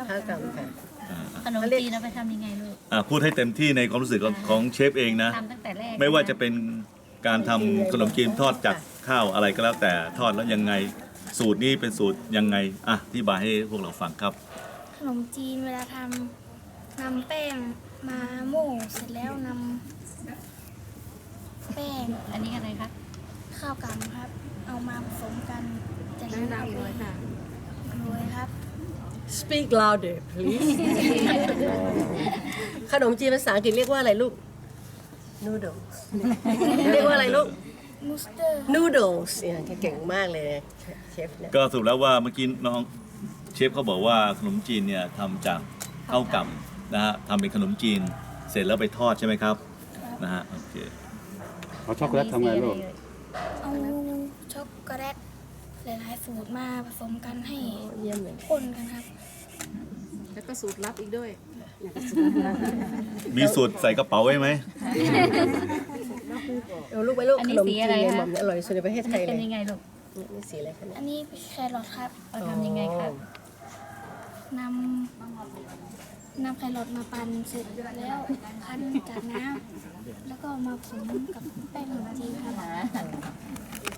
ข้าวกล่ำค่ะขนมจีนเราไปทำยังไงลูกพูดให้เต็มที่ในความรู้สึกของเชฟเองนะทำตั้งแต่แรกไม่ว่าจะเป็นการทำขนมจีนทอดจากข้าวอะไรก็แล้วแต่ทอดแล้วยังไงสูตรนี้เป็นสูตรยังไงอธิบายให้พวกเราฟังครับขนมจีนเวลาทำนำแป้งมาโม่เสร็จแล้วนำแป้งอันนี้อะไรคะข้าวกล่ำครับ เอามาผสมกันจากนั้นเอาไปโรยครับ Speak louder please ขนมจีนภาษาอังกฤษเรียกว่าอะไรลูก Noodles เรียกว่าอะไรลูกมูสเตอร์ Noodles เนี่ยเก่งมากเลยเชฟเนี่ยก็สรุปแล้วว่าเมื่อกี้น้องเชฟเขาบอกว่าขนมจีนเนี่ยทำจากข้าวกล่ำนะฮะทำเป็นขนมจีนเสร็จแล้วไปทอดใช่ไหมครับนะฮะโอเคเอาช็อกโกแลตทำไงลูกเอาช็อกโกแลตหลายๆสูตรมาผสมกันให้เยี่ยมเลยข้นกันครับแล้วก็สูตรลับอีกด้วยมีสูตรใส่กระเป๋าไว้ไหมเอาลูกไปลูกอันขนี้นมสีจีนอะไรเนี่ยหคะม่อมเนี่ยอร่อยที่สุดในประเทศไทยเลเป็ยนยังไงลูกนี่สีอะไรคะเนี่ยอันนี้เป็นแครอทครับเราทำยังไงคะนำแครอทมาปั่นเสร็จแล้วคั้นจากน้ำแล้วก็มาผสมกับแป้งขนมจีนครับ